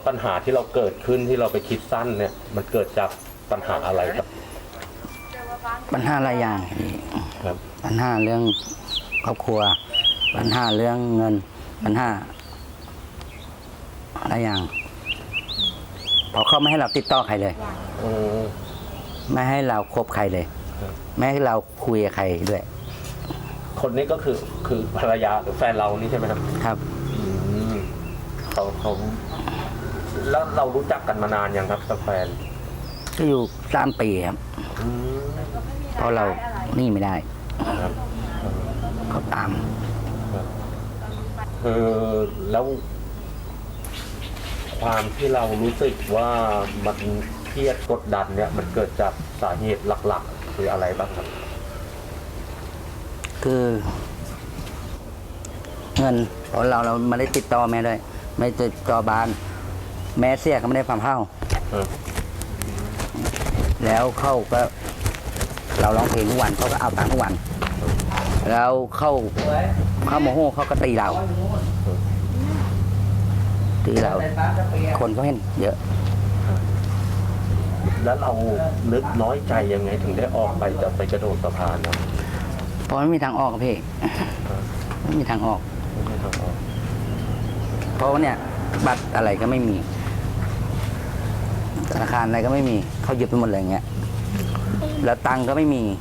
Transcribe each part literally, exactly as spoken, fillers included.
ปัญหาที่เราเกิดขึ้นที่เราไปคิดสั้นเนี่ยมันเกิดจากปัญหาอะไรครับปัญหาหลายอย่างครับปัญหาเรื่องครอบครัวปัญหาเรื่องเงินปัญหาหลายอย่างพอเขาไม่ให้เราติดต่อใครเลยไม่ให้เราคบใครเลยไม่ให้เราคุยกับใครด้วยคนนี้ก็คือคือภรรยาหรือแฟนเรานี่ใช่ไหมครับครับเขาเขาแล้วเรารู้จักกันมานานยังครับกับแฟนก็อยู่สามปีครับเพราะเรานี่ไม่ได้เขาตามเออแล้วความที่เรารู้สึกว่ามันเครียดกดดันเนี่ยมันเกิดจากสาเหตุหลักๆคืออะไรบ้างครับคือเงินเพราะเราเราไม่ได้ติดต่อแม่ด้วยไม่ติดต่อบ้านแม่เสียก็ไม่ได้ความเท่าแล้วเขาก็เราร้องเพลงทุกวันเขาก็เอาตังค์ทุกวันแล้วเข้าเข้าโมโหเขาก็ตีเราตีเราคนเขาเห็นเยอะแล้วเรานึกน้อยใจยังไงถึงได้ออกไปจะไปกระโดดสะพานนะเพราะไม่มีทางออกพี่ไม่มีทางออกเพราะว่าเนี่ยบัตรอะไรก็ไม่มีธนาคารอะไรก็ไม่มีเขายึดไปหมดเลยอย่างเงี้ยแล้วตังค์ก็ไม่มี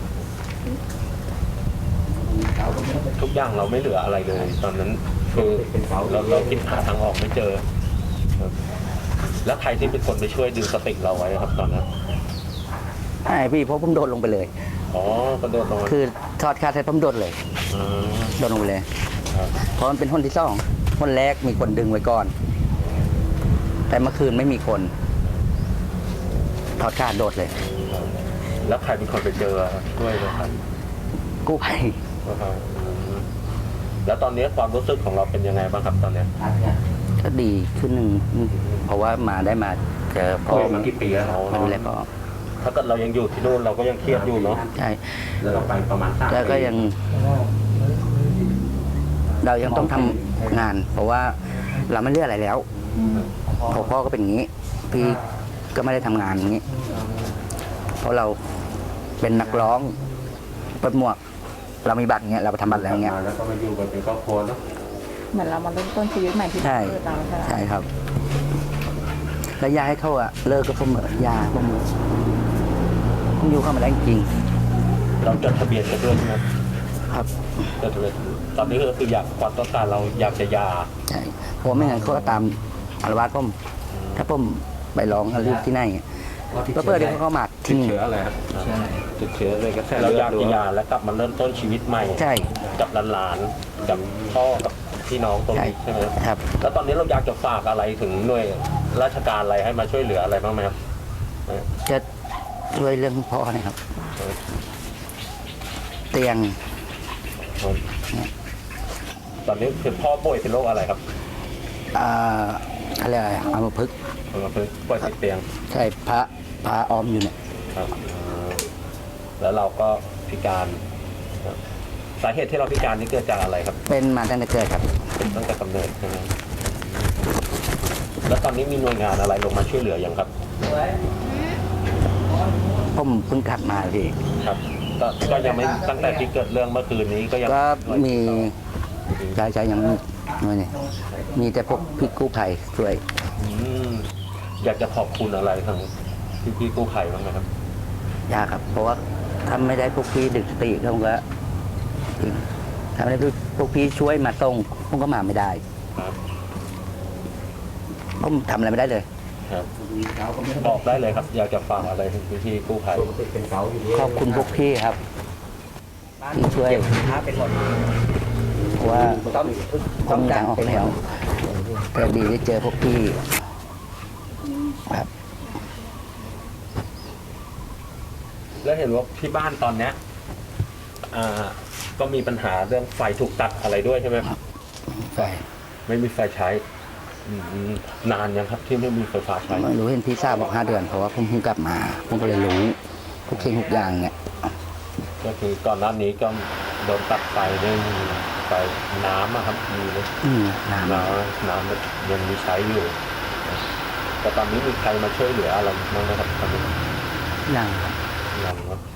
ทุกอย่างเราไม่เหลืออะไรเลยตอนนั้นคือเราเราคิดหาทางออกไม่เจอแล้วใครที่เป็นคนไปช่วยดึงสติเราไว้ครับตอนนั้นใช่พี่เพราะผมโดดลงไปเลยอ๋อกระโดดลงคือทอดคาเสร็จผมโดดเลยโดดลงไปเลยเพราะมันเป็นคนที่สองคนแรกมีคนดึงไว้ก่อนแต่เมื่อคืนไม่มีคนทอดคาโดดเลยแล้วใครเป็นคนไปเจอด้วยนะครับกู้ภัยแล้วตอนนี้ความรู้สึกของเราเป็นยังไงบ้างครับตอนนี้ก็ดีขึ้นหนึ่งเพราะว่ามาได้มาเจอพ่อมากี่ปีแล้วมาดูแลพ่อถ้าเกิดเรายังอยู่ที่นู่นเราก็ยังเครียดอยู่เนาะใช่เราไปประมาณแล้วก็ยังเรายังต้องทำงานเพราะว่าเราไม่เลือกอะไรแล้วพอพ่อก็เป็นอย่างนี้พี่ก็ไม่ได้ทำงานอย่างนี้เพราะเราเป็นนักร้องเปิดหมวกเรามีบัตรเงี้ยเราไปทำบัตรแล้วเงี้ยแล้วก็มาอยู่กันเป็นครอบครัวเนาะเหมือนเรามาเริ่มต้นชีวิตใหม่ที่ใช่ใช่ครับแล้วยาให้เขาอะเลิกก็ผมยาผมผมอยู่เข้ามาได้จริงเราจดทะเบียนกันด้วยใช่ไหมครับจดทะเบียนตอนนี้ก็คืออยากความต้องการเราอยากจะยาใช่เพราะไม่งั้นเขาก็ตามอารวาสผมถ้าผมไปร้องอะไรที่ไหนก็เพื่อที่เขาเข้ามาทิ้งเชื้ออะไรครับติดเชื้อเลยก็แค่เราอยากกินยาแล้วกลับมาเริ่มต้นชีวิตใหม่ใช่กับหลานๆกับพ่อกับพี่น้องตรงนี้ใช่ไหมครับแล้วตอนนี้เราอยากจะฝากอะไรถึงหน่วยราชการอะไรให้มาช่วยเหลืออะไรบ้างไหมครับจะช่วยเรื่องพ่อนะครับเตียงตอนนี้คือพ่อป่วยเป็นโรคอะไรครับอ่าอะไรอัมพฤกษ์อัมพฤกษ์ป่วยติดเตียงใช่พระพระออมอยู่เนี่ยครับแล้วเราก็พิการสาเหตุที่เราพิการนี่เกิดจากอะไรครับเป็นมาตั้งแต่เกิดครับเป็นตั้งแต่กำเนิดใช่ไหมแล้วตอนนี้มีหน่วยงานอะไรลงมาช่วยเหลือยังครับผมเพิ่งกลับมาพี่ครับก็ยังไม่ตั้งแต่ที่เกิดเรื่องเมื่อคืนนี้ก็ยังก็มีใช่ใช่ยังไม่เนี่ยมีแต่พวกพี่กู้ภัยช่วยอยากจะขอบคุณอะไรทางพี่พี่กู้ภัยบ้างไหมครับอยากครับเพราะว่าถ้าไม่ได้พวกพี่ดึกสติเขาก็ถ้าไม่ได้พวกพี่ช่วยมาส่งผมก็มาไม่ได้ผมทำอะไรไม่ได้เลยบอกได้เลยครับอยากจะฝากอะไรถึงพี่พี่กู้ภัยขอบคุณพวกพี่ครับที่ช่วยเพราะว่าผมมีทางออกแล้วแต่ดีได้เจอพวกพี่ครับแล้วเห็นว่าที่บ้านตอนเนี้ยอ่าก็มีปัญหาเรื่องไฟถูกตัดอะไรด้วยใช่ไหมครับไฟไม่มีไฟใช้นานยังครับที่ไม่มีไฟฟ้าใช้ไม่รู้เห็นพี่ทราบบอกห้าเดือนเพราะว่าผมเพิ่งกลับมาผมก็เลยรู้ทุกสิ่งทุกอย่างเนี่ยก็คือก่อนหน้านี้ก็โดนตัดไฟด้วยไฟน้ำอะครับมีไหมน้ำน้ำน้ำยังมีใช้อยู่แต่ตอนนี้มีใครมาช่วยเหลืออะไรบ้างไหมครับตอนนี้ยังครับยังเนาะ